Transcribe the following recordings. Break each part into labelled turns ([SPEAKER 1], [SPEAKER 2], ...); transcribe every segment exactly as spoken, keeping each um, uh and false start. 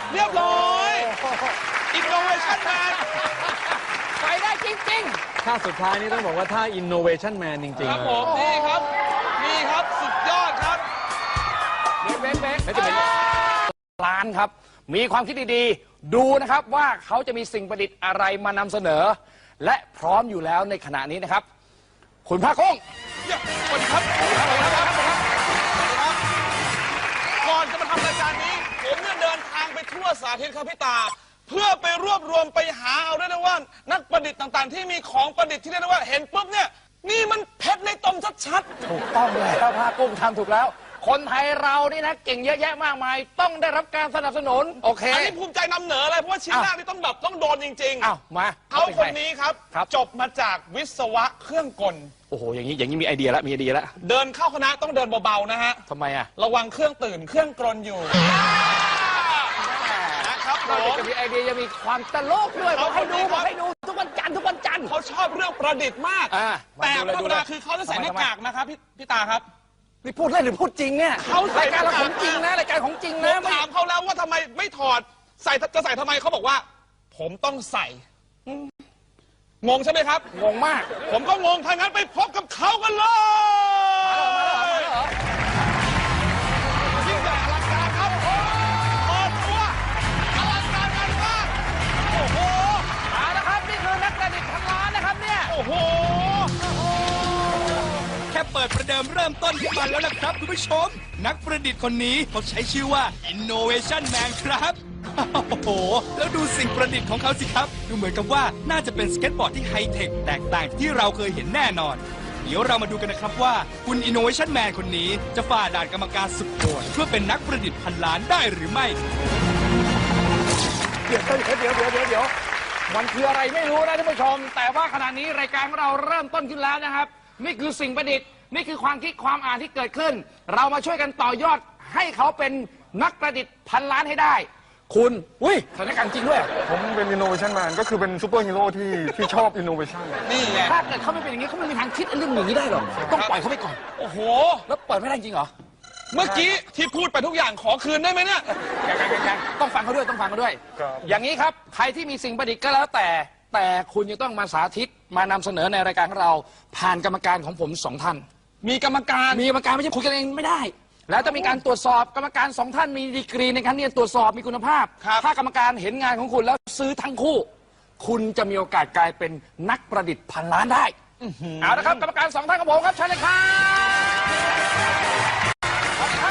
[SPEAKER 1] เรียบร้อยอินโนเวชั่นแมน
[SPEAKER 2] ไปได้จริง
[SPEAKER 3] ๆท่าสุดท้ายนี่ต้องบอกว่าท่า Innovation Man จริงๆ
[SPEAKER 1] ครับผมนี่ครับนี่ครับสุดยอดครับ
[SPEAKER 2] เบ๊กเบ๊กเบ๊กจะเป็นร้านครับมีความคิดดีๆดูนะครับว่าเขาจะมีสิ่งประดิษฐ์อะไรมานำเสนอและพร้อมอยู่แล้วในขณะนี้นะครับคุณภาคกุ้ง
[SPEAKER 1] สวัสดีครับสวัสดีครับสวัสดีครับก่อนจะมาทำรายการนี้ผมเนี่ยเดินทางไปทั่วสาธิตครับพี่ตาเพื่อไปรวบรวมไปหาเอาได้นะว่านักประดิษฐ์ต่างๆที่มีของประดิษฐ์ที่เรียกได้ว่าเห็นปุ๊บเนี่ยนี่มันเพชรในตมชัด
[SPEAKER 2] ๆถูกต้องเลยครับภาคกุ้งทำถูกแล้วคนไทยเรานี่นะเก่งเยอะแยะมากมายต้องได้รับการสนับสนุนโอเค
[SPEAKER 1] อันนี้ภูมิใจนำเหนือเลยเพราะว่าชิ้นแรกนี่ต้องแบบต้องโดนจริงๆ
[SPEAKER 2] อ้าวมา
[SPEAKER 1] เขาคนนี้ครับจบมาจากวิศวะเครื่องกล
[SPEAKER 2] โอ้โหอย่างนี้อย่างนี้มีไอเดียแล้วมีไอเดียแล้ว
[SPEAKER 1] เดินเข้าคณะต้องเดินเบาๆนะฮะ
[SPEAKER 2] ทำไมอ่ะ
[SPEAKER 1] ระวังเครื่องตื่นเครื่องกลนอยู่
[SPEAKER 2] นะครับเราจะมีไอเดียจะมีความตลกด้วยบอกให้ดูบอกให้ดูทุกวันจันทร์ทุกวันจันทร์
[SPEAKER 1] เขาชอบเรื่องประดิษฐ์มากแต่ธรรมดาคือเขาจะใส่หน้ากากนะครับพี่พี่ตาครับ
[SPEAKER 2] นี่พูดเล่นหรือพูดจริงเนี่ย
[SPEAKER 1] เขา
[SPEAKER 2] รายการเราของจริงนะรายการของจริงนะ
[SPEAKER 1] ถามเขาแล้วว่าทำไมไม่ถอดใส่จะใส่ทำไมเขาบอกว่าผมต้องใส่งงใช่ไหมครับ
[SPEAKER 2] งงมาก
[SPEAKER 1] ผมก็งงถ้างั้นไปพบกับเขากันเลยยิ่งใหญ่อลังการครับเปิดตัวอลังการงานมากโอ้โห
[SPEAKER 2] เอาละครับนี่คือนักประดิษฐ์พันล้านนะครับเนี่ย
[SPEAKER 1] โอ้โห
[SPEAKER 4] แค่เปิดประเดิมเริ่มต้นขึ้นมาแล้วนะครับคุณผู้ชมนักประดิษฐ์คนนี้เขาใช้ชื่อว่า Innovation Man ครับโอ้โหแล้วดูสิ่งประดิษฐ์ของเขาสิครับดูเหมือนกับว่าน่าจะเป็นสเก็ตบอร์ดที่ไฮเทคแตกต่างจากที่เราเคยเห็นแน่นอนเดี๋ยวเรามาดูกันนะครับว่าคุณ Innovation Man คนนี้จะฝ่าด่านกรรมการสุดโหดเพื่อเป็นนักประดิษฐ์พันล้านได้หรือไม่
[SPEAKER 2] เดี๋ยวเดี๋ยวเดี๋ยวเดี๋ยวเดี๋ยวมันคืออะไรไม่รู้นะท่านผู้ชมแต่ว่าขณะนี้รายการของเราเริ่มต้นขึ้นแล้วนะครับนี่คือสิ่งประดิษฐ์นี่คือความคิดความอ่านที่เกิดขึ้นเรามาช่วยกันต่อยอดให้เขาเป็นนักประดิษฐ์พันล้านให้ได้คุณอุ้ยสถานการณ์จริงด้วย
[SPEAKER 3] ผมเป็น Innovation Man ก็คือเป็นซูเปอร์ฮีโร่ที่ที่ชอบ Innovation
[SPEAKER 2] นี่ไงถ้าเกิดเขาไม่เป็นอย่างนี้เขาไม่มีทางคิดเรื่องอย่างนี้ได้หรอกต้องปล่อยเขาไปก่อน
[SPEAKER 1] โอ้โห
[SPEAKER 2] แล้วเปิดไม่ได้จริงเหรอ
[SPEAKER 1] เมื่อกี้ที่พูดไปทุกอย่างขอคืนได้ไหมเนี่ย
[SPEAKER 2] ยังยังยังต้องฟังเขาด้วยต้องฟังเขาด้วยอย่างนี้ครับใครที่มีสิ่งประดิษฐ์ก็แล้วแต่แต่คุณจะต้องมาสาธิตมานำเสนอในรายการของเราผ่านกรรมการของผมสองท่าน
[SPEAKER 1] มีกรรมการ
[SPEAKER 2] มีกรรมการไม่ใช่คุยกันเองไม่ได้แล้วจะมีการตรวจสอบกรรมการสองท่านมีดีกรีในการที่จะตรวจสอบมีคุณภาพถ้ากรรมการเห็นงานของคุณแล้วซื้อทั้งคู่คุณจะมีโอกาสกลายเป็นนักประดิษฐ์พันล้านได้เอาละครับกรรมการสองท่านของผมครับเชิญเลยครับเอาละครับ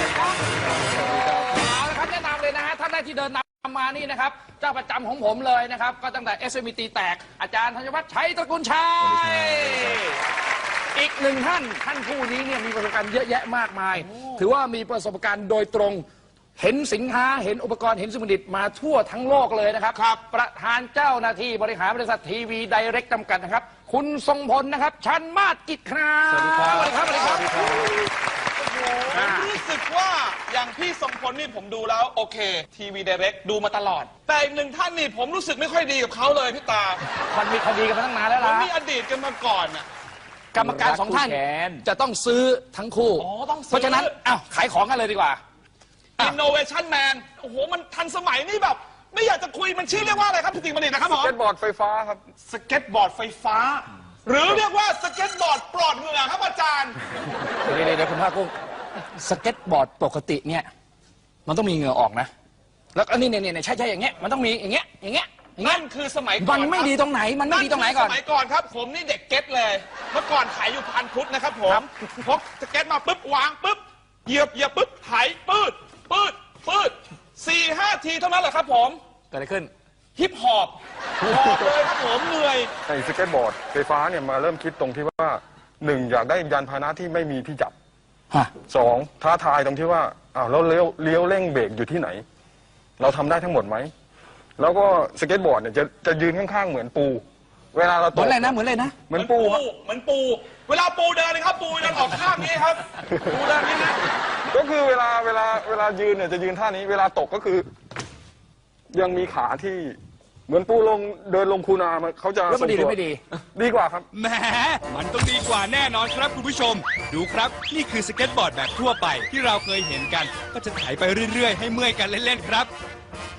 [SPEAKER 2] แนะนำเลยนะฮะท่านแรกที่เดินนำมานี่นะครับเจ้าประจำของผมเลยนะครับก็ตั้งแต่ เอส เอ็ม อี ตีแตกอาจารย์ธัญวัฒน์ชัยตระกูลชัยอีกหนึ่งท่านท่านผู้นี้เนี่ยมีประสบการณ์เยอะแยะมากมายถือว่ามีประสบการณ์โดยตรงเห็นสินค้าเห็นอุปกรณ์เห็นสมุดิตมาทั่วทั้งโลกเลยนะครับครับประธานเจ้าหน้าที่บริหารบริษัททีวีไดเรกจำกัดนะครับคุณทรงพลนะครับชันมาศกิจครับสวัสดีครับสวัสดีครับสวัสดีครับ
[SPEAKER 1] ผมรู้สึกว่าอย่างพี่ทรงพลนี่ผมดูแล้วโอเคทีวีไดเรกดูมาตลอดแต่อีกหนึ่งท่านนี่ผมรู้สึกไม่ค่อยดีกับเขาเลยพี่ตา
[SPEAKER 2] มันมีคดีกันมาตั้งนานแล้วล่ะ
[SPEAKER 1] มีอดีตกันมาก่อนน่ะ
[SPEAKER 2] กรรมการสองท่านจะต้องซื้อทั้งคู่เพราะฉะนั้นอ้าวขายของกันเลยดีกว่า
[SPEAKER 1] Innovation Man โอ้โหมันทันสมัยนี่แบบไม่อยากจะคุยมันชื่อเรียกว่าอะไรครับพี่ติ๋งบัณฑิตนะครับผม
[SPEAKER 3] สเก็ตบอร์ดไฟฟ้าครับ
[SPEAKER 1] สเก็ตบอร์ดไฟฟ้าหรือเรียกว่าสเก็ตบอร์ดปลอดเหงื่อครับอาจารย์
[SPEAKER 2] เดี๋ยวเดี๋ยวคุณภาคกุ้งสเก็ตบอร์ดปกติเนี่ยมันต้องมีเหงื่อออกนะแล้วอันนี้เนี่ยเนี่ยใช่ใช่อย่างเงี้ยมันต้องมีอย่างเงี้ยอย่างเงี้ย
[SPEAKER 1] นั่นคือสมัยก่อน
[SPEAKER 2] มันไม่ดีตรงไหนมันไม่ดีตรงไหนก่อน
[SPEAKER 1] สมัยก่อนครับผมนี่เด็กเก็ตเลยเมื่อก่อนขายอยู่พันพุทธนะครับผมพกสเก็ตมาปุ๊บวางปุ๊บเหยียบเหยียบปุ๊บไถปืดปืดปืดสี่ห้าทีเท่านั้นแหละครับผม
[SPEAKER 2] เกิดอะไรขึ้น
[SPEAKER 1] ฮิปฮอปหอบเลยครับผมเหนื่อย
[SPEAKER 3] ไอ้สเก็ตบอร์ดไฟฟ้าเนี่ยมาเริ่มคิดตรงที่ว่าหนึ่งอยากได้ยานพาหนะที่ไม่มีที่จับสองท้าทายตรงที่ว่าอ้าวแล้วเลี้ยวเลี้ยวเร่งเบรกอยู่ที่ไหนเราทำได้ทั้งหมดไหมแล้วก็สเก็ตบอร์ดเนี่ยจะจะยืนข้างๆเหมือนปูเวลาเราตก
[SPEAKER 2] เหมือนอะไรนะเหมือนอะไรนะ
[SPEAKER 3] เหมือนปู
[SPEAKER 1] เหมือนปูเวลาปูเดินนะครับปูเดินออกข้างนี้ครับปูเดินนี้นะ
[SPEAKER 3] ก็คือเวลาเวลาเวลายืนเนี่ยจะยืนท่านี้เวลาตกก็คือยังมีขาที่เหมือนปูลงเดินลงคูนาเขาจะ
[SPEAKER 2] แล้วมันดีหรือไม่ดี
[SPEAKER 3] ดีกว่าครับ
[SPEAKER 4] แหมมันต้องดีกว่าแน่นอนครับคุณผู้ชมดูครับนี่คือสเก็ตบอร์ดแบบทั่วไปที่เราเคยเห็นกันก็จะไถไปเรื่อยๆให้เมื่อยกันเล่นๆครับ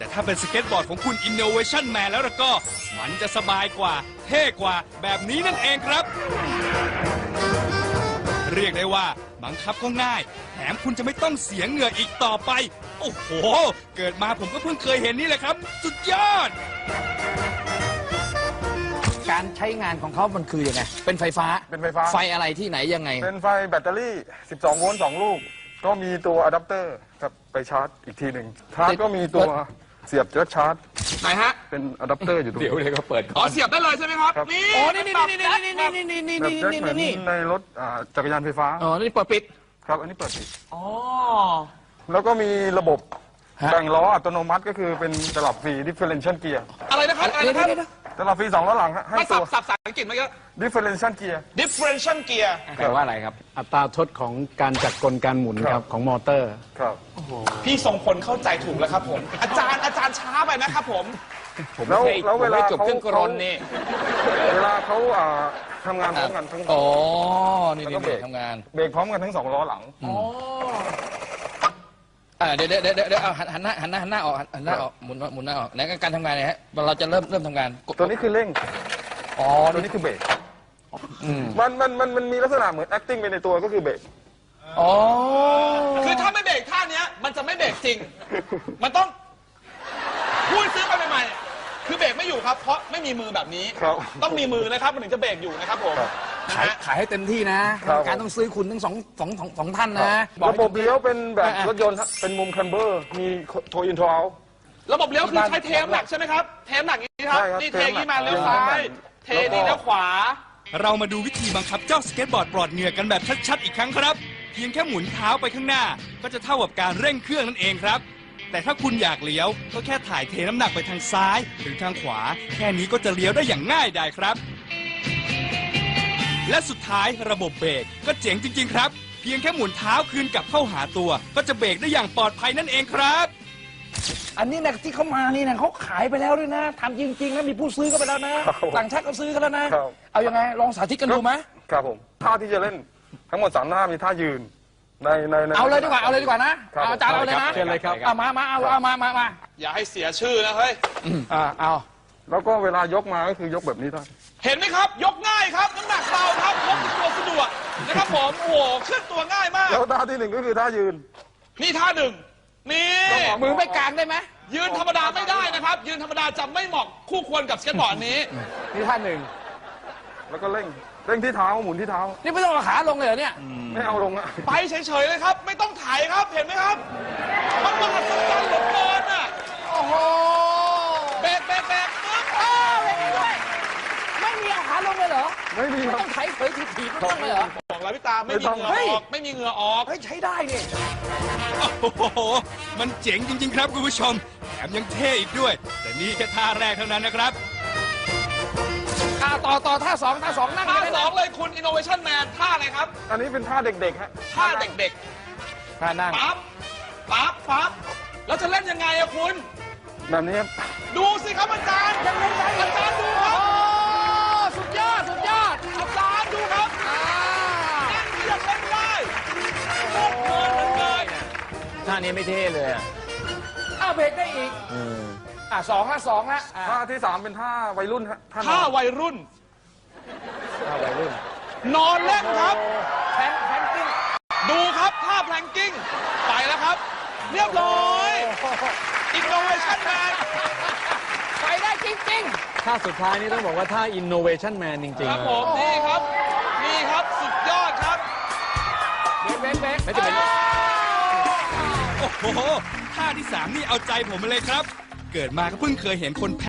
[SPEAKER 4] แต่ถ้าเป็นสเก็ตบอร์ดของคุณ Innovation Man แล้วล่ะก็ มันจะสบายกว่า เท่กว่าแบบนี้นั่นเองครับ เรียกได้ว่าบังคับก็ง่าย แถมคุณจะไม่ต้องเสียเหงื่ออีกต่อไป โอ้โห เกิดมาผมก็เพิ่งเคยเห็นนี่แหละครับ สุดยอด
[SPEAKER 2] การใช้งานของเขามันคือยังไง เป็นไฟฟ้า
[SPEAKER 3] เป็นไฟฟ้า
[SPEAKER 2] ไฟอะไรที่ไหนยังไง
[SPEAKER 3] เป็นไฟแบตเตอรี่ สิบสอง โวลต์ สอง ลูก ก็มีตัวอะแดปเตอร์ครับไปชาร์จอีกทีหนึ่งชาร์จก็มีตัวเสียบแจ็คชาร์จ
[SPEAKER 1] ไหนฮะ
[SPEAKER 3] เป็นอะแดปเตอร์อยู่ตรง
[SPEAKER 2] เดี๋ยว
[SPEAKER 3] นี้
[SPEAKER 2] เลยก็เปิด
[SPEAKER 1] อ๋อเสียบได้เลยใช่ไหมครับ
[SPEAKER 3] ครับ
[SPEAKER 1] นี่
[SPEAKER 2] อ๋อนี่นี่นี่นี่นี่นี่นี่นี่
[SPEAKER 3] แบบ
[SPEAKER 2] นี่
[SPEAKER 3] แจ็ค
[SPEAKER 2] นี่
[SPEAKER 3] เหมือน
[SPEAKER 2] นี่
[SPEAKER 3] ในรถอ่าจักรยานไฟฟ้า
[SPEAKER 2] อ๋อนี่เปิดปิด
[SPEAKER 3] ครับ อันนี้เปิดปิด
[SPEAKER 1] อ๋อ
[SPEAKER 3] แล้วก็มีระบบ
[SPEAKER 2] ฮะ
[SPEAKER 3] แบ่งล้ออัตโนมัติก็คือเป็นตลับฟรี differential gear
[SPEAKER 1] อะไรนะครับอะไร
[SPEAKER 2] เดี๋ยว
[SPEAKER 1] นะครับ
[SPEAKER 2] เดี๋ยวเดี๋ยว
[SPEAKER 3] ตลับฟรีสองล้อหลังฮะให้
[SPEAKER 1] มา
[SPEAKER 3] ตั
[SPEAKER 1] สับ
[SPEAKER 3] ว
[SPEAKER 1] สับภาษาอังกฤษเมื่อกี้
[SPEAKER 3] differential gear
[SPEAKER 1] differential gear
[SPEAKER 2] แปลว่าอะไรครับ
[SPEAKER 5] อัตราทดของการจัดกลการหมุน
[SPEAKER 3] ค
[SPEAKER 5] ค
[SPEAKER 3] รั
[SPEAKER 5] รับ บของมอเตอร์
[SPEAKER 3] ครับ
[SPEAKER 1] พี่ทรงพลเข้าใจถูกแล้วครับผม อาจารย์อาจารย์ช้าไปนะครับผม
[SPEAKER 3] แล้วแล้วเวลา
[SPEAKER 2] จบ
[SPEAKER 3] เขา
[SPEAKER 2] เครื่องกรนนี่
[SPEAKER 3] เวลาเขาอ่าทำงานพร้อมกันทั้ง
[SPEAKER 2] อ๋อ นี่
[SPEAKER 3] แล้วก็
[SPEAKER 2] นี่
[SPEAKER 3] เบรก
[SPEAKER 2] ทำงาน
[SPEAKER 3] เบรกพร้อมกันทั้งสองล้อหลัง
[SPEAKER 2] อ่าเดี๋ยวเดี๋ยวเดี๋ยวเดี๋ยวเอาหันหันหน้าหันหน้าหันหน้าออกหันหน้าออกหมุนหมุนหน้าออกไหนการทำงานเนี่ยฮะเราจะเริ่มเริ่มทำงานกด
[SPEAKER 3] ตัวนี้คือเร่ง
[SPEAKER 2] อ๋อ
[SPEAKER 3] ตัวนี้คือเบรกมันมันมันมันมีลักษณะเหมือน acting ไปในตัวก็คือเบรก
[SPEAKER 2] อ๋อ
[SPEAKER 1] คือถ้าไม่เบรกท่าเนี้ยมันจะไม่เบรกจริง มันต้องพูดซื้อไปใหม่ๆคือเบรกไม่อยู่ครับ เพราะไม่มีมือแบบนี้
[SPEAKER 3] ครับ
[SPEAKER 1] ต้องมีมือนะครับมันถึงจะเบรกอยู่นะครับผม
[SPEAKER 3] ครับ
[SPEAKER 1] นะ
[SPEAKER 2] ขาย
[SPEAKER 1] ฮะ
[SPEAKER 2] ขายให้เต็มที่นะครับ การต้องซื้อคุณทั้งสองสองสองสองท่านนะอก
[SPEAKER 3] ระบบเลี้ยวเป็นแบบ
[SPEAKER 2] อ่ะ
[SPEAKER 3] รถยนต์ฮะเป็นมุมคันเบอร์ มีโทอินโทรเอา
[SPEAKER 1] ระบบเลี้ยวคือใช้เทมหนักใช่ไหมครับ เทมหนักอย่างนี้ครับ
[SPEAKER 3] ใช่ครับ
[SPEAKER 1] นี่เท
[SPEAKER 3] เทมหนัก
[SPEAKER 1] นี้มาเลี้ยวซ้าย เท
[SPEAKER 3] แล้วก็
[SPEAKER 1] นี่เลี้ยวขวา
[SPEAKER 4] เรามาดูวิธีบังคับเจ้าสเก็ตบอร์ดปลอดเหงื่อกันแบบชัดๆอีกครั้งครับ เพียงแค่หมุนเท้าไปข้างหน้า ก็จะเท่ากับการเร่งเครื่องนั่นเองครับ แต่ถ้าคุณอยากเลี้ยว ก็แค่ถ่ายเทน้ำหนักไปทางซ้าย หรือทางขวา แค่นี้ก็จะเลี้ยวได้อย่างง่ายดายครับ และสุดท้ายระบบเบรกก็เจ๋งจริง ๆ ครับ เพียงแค่หมุนเท้าคืนกลับเข้าหาตัว ก็จะเบรกได้อย่างปลอดภัยนั่นเองครับ
[SPEAKER 2] อันนี้นะที่เขามานี่นะเขาขายไปแล้วด้วยนะทำจริงๆนะมีผู้ซื้อก็ไปแล้วนะ
[SPEAKER 3] ครับผม
[SPEAKER 2] ต่างชาติก็ซื้อกันแล้วนะ
[SPEAKER 3] ครับ
[SPEAKER 2] เอายังไงลองสาธิตกันดูไหม
[SPEAKER 3] ครับผม ท่าที่จะเล่นทั้งหมดสามท่ามีท่ายืน ในในใน
[SPEAKER 2] เอาเลยดีกว่าเอาเลยดีกว่านะครับ เอาอาจารย์เอาเลยนะ
[SPEAKER 5] เชิญเลยครับ
[SPEAKER 2] เอามามาเอาเอามามามา
[SPEAKER 1] อย่าให้เสียชื่อนะเฮ้ย
[SPEAKER 2] อ่าเอา
[SPEAKER 3] แล้วก็เวลายกมาก็คือยกแบบนี้ได้
[SPEAKER 1] เห็นไหมครับ ยกง่ายครับ น้ำหนักเบาครับพกติดตัวสะดวกนะครับผม โอ้โหเคลื่อนตัวง่ายมาก
[SPEAKER 3] แล้วท่าที่หนึ่งก็คือท่ายืน
[SPEAKER 1] นี่ท่าหนึ่ง นี่
[SPEAKER 2] มือไม่กลางได้ไหม
[SPEAKER 1] ยืนธรรมดาไม่ได้นะครับ ยืนธรรมดาจะไม่เหมาะคู่ควรกับสเก็ตบอร์ดนี้
[SPEAKER 2] นี่ท่านหนึ่ง
[SPEAKER 3] แล้วก็เร่ง เร่งที่เท้าหมุนที่เท้า
[SPEAKER 2] นี่ไม่ต้องเอาขาลงเลยเหรอเนี่ย
[SPEAKER 3] ไม่เอาลงอะ
[SPEAKER 1] ไปเฉยๆเลยครับ ไม่ต้องถ่ายครับ เห็นไหมครับ มันมหัศจรรย์เหลือเกินอ่ะ
[SPEAKER 2] โอ้โห
[SPEAKER 1] แบกแบกแบกปึ๊บ
[SPEAKER 2] อ้าวไม่มีด้วยไม่มีเอาขาลงเลยเหรอ
[SPEAKER 3] ไม่มี
[SPEAKER 2] ไม่
[SPEAKER 3] ครับ
[SPEAKER 2] ต้องไถเผยถีบถีบไม่ต้องเลยเหรอ
[SPEAKER 1] บอกแล้วพี่ตาไม่มีเหงื่อ
[SPEAKER 2] เฮ้ย
[SPEAKER 1] ออก ไม่มีเหงื่อออก
[SPEAKER 2] เฮ้ยใช้ได้เนี่ย
[SPEAKER 4] โอ้โห มันเจ๋งจริง ๆ ครับคุณผู้ชม แถมยังเท่อีกด้วย แต่นี่แค่ท่าแรกเท่านั้นนะครับ
[SPEAKER 2] อ่าต่อต่อท่าสองท่าสองนั่ง
[SPEAKER 1] ท่า
[SPEAKER 2] ได้
[SPEAKER 1] ส
[SPEAKER 2] นะ
[SPEAKER 1] องเลยคุณ Innovation Man ท่าอะไรครับ
[SPEAKER 3] อันนี้เป็นท่าเด็กๆฮะ
[SPEAKER 1] ท่าเด็ก
[SPEAKER 2] ท่านั่ง
[SPEAKER 1] ๆ ปั๊บ ปั๊บ ปั๊บ แล้วจะเล่นยังไงอะคุณ
[SPEAKER 3] แบบนี้ครับ
[SPEAKER 1] ดูสิครับอาจารย์ยังเล่นได้อาจารย์ดูค
[SPEAKER 2] โอ้
[SPEAKER 1] รับ
[SPEAKER 2] สุดยอดสุดยอด
[SPEAKER 1] อาจารย์ดูครับ
[SPEAKER 2] อ่า
[SPEAKER 1] นั่นยังเล่นได้โคตรเพลินเหลือเกิน
[SPEAKER 5] ท่านี้ไม่เท่เลยอะ
[SPEAKER 2] อ้าวเบรกได้อีกอ่าสองละสองละอ่า
[SPEAKER 3] ท่าที่สามเป็นท่าวัยรุ่นฮะท่าน
[SPEAKER 1] ท่า
[SPEAKER 3] อน
[SPEAKER 1] วัยรุ่น
[SPEAKER 5] ท่าวัยรุ่น
[SPEAKER 1] นอนเล่นครับ
[SPEAKER 2] แพนแพนกิ้ง
[SPEAKER 1] ดูครับท่าแพลงกิ้ง ไปแล้วครับ เรียบร้อย Innovation Man
[SPEAKER 2] ไปได้จริง
[SPEAKER 5] ท่าสุดท้ายนี่ต้องบอกว่าท่า innovation man จริง
[SPEAKER 1] ค
[SPEAKER 5] ๆ
[SPEAKER 1] รับ
[SPEAKER 5] นะ
[SPEAKER 1] ผม นี่ครับ นี่ครับสุดยอดครับ
[SPEAKER 2] ๆเบรกเบรกเบรก
[SPEAKER 5] ไม่จะเป็น
[SPEAKER 4] โอ้โห ท่าที่สามนี่เอาใจผมมาเลยครับ เกิดมาก็เพิ่งเคยเห็นคน